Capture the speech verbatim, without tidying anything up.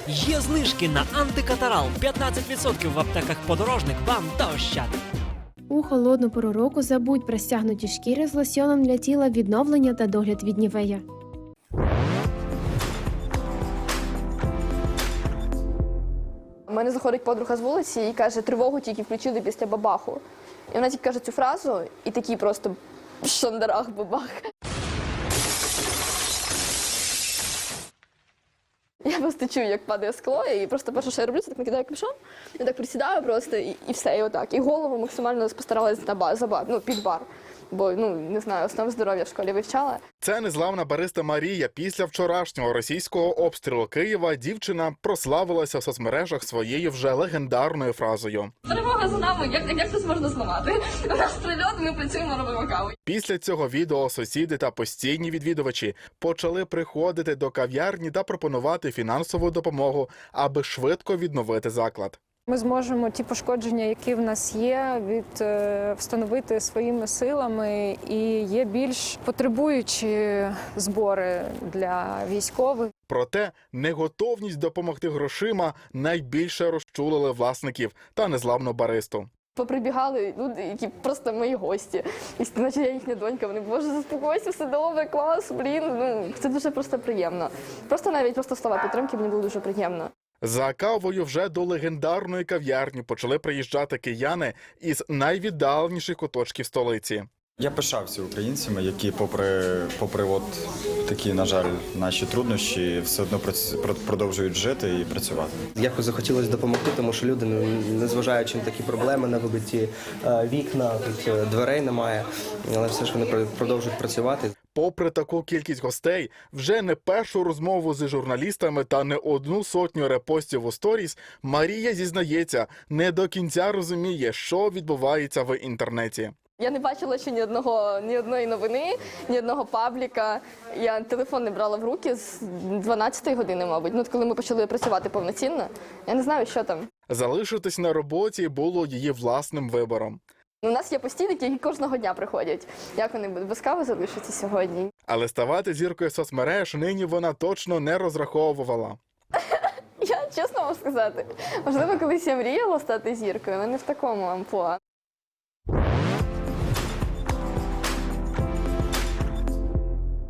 Є знижки на антикатарал п'ятнадцять відсотків в аптеках «Подорожник», «Бам» та «Ощад». У холодну пору року забудь про стягнуті шкіри з лосьоном для тіла, відновлення та догляд від Нівея. У мене заходить подруга з вулиці і каже, тривогу тільки включили після бабаху. І вона тільки каже цю фразу, і такий просто шандарах бабах. Я просто чую, як падає скло, і просто перше, що я роблю, це так накидаю капюшон, я так присідаю просто, і, і все, і отак. І голову максимально постаралась на бар, за бар, ну, під бар. Бо, ну, не знаю, основ здоров'я в школі вивчала. Це незламна бариста Марія. Після вчорашнього російського обстрілу Києва дівчина прославилася в соцмережах своєю вже легендарною фразою. Перемога за нами, як, як це можна зламати? У нас прильот, ми працюємо, робимо каву. Після цього відео сусіди та постійні відвідувачі почали приходити до кав'ярні та пропонувати фінансову допомогу, аби швидко відновити заклад. Ми зможемо ті пошкодження, які в нас є, від, е, встановити своїми силами, і є більш потребуючі збори для військових. Проте неготовність допомогти грошима найбільше розчулили власників та незламну баристу. Поприбігали люди, які просто мої гості. І наче я їхня донька, вони, боже, заспокойся, все добре, клас, блін. Ну, це дуже просто приємно. Просто навіть просто слова підтримки мені було дуже приємно. За кавою вже до легендарної кав'ярні почали приїжджати кияни із найвіддаленіших куточків столиці. Я пишався українцями, які попри, попри от такі, на жаль, наші труднощі, все одно продовжують жити і працювати. Якось захотілося допомогти, тому що люди, незважаючи на такі проблеми, на вибиті вікна, тут дверей немає, але все ж вони продовжують працювати. Попри таку кількість гостей, вже не першу розмову з журналістами та не одну сотню репостів у сторіс, Марія зізнається, не до кінця розуміє, що відбувається в інтернеті. Я не бачила ще ні одного, ні одної новини, ні одного пабліка. Я телефон не брала в руки з дванадцятої години, мабуть. Ну, коли ми почали працювати повноцінно, я не знаю, що там. Залишитись на роботі було її власним вибором. У нас є постійники, які кожного дня приходять. Як вони без кави залишаться сьогодні? Але ставати зіркою соцмереж нині вона точно не розраховувала. Я чесно можу сказати, можливо, колись я мріяла стати зіркою, але не в такому амплуа.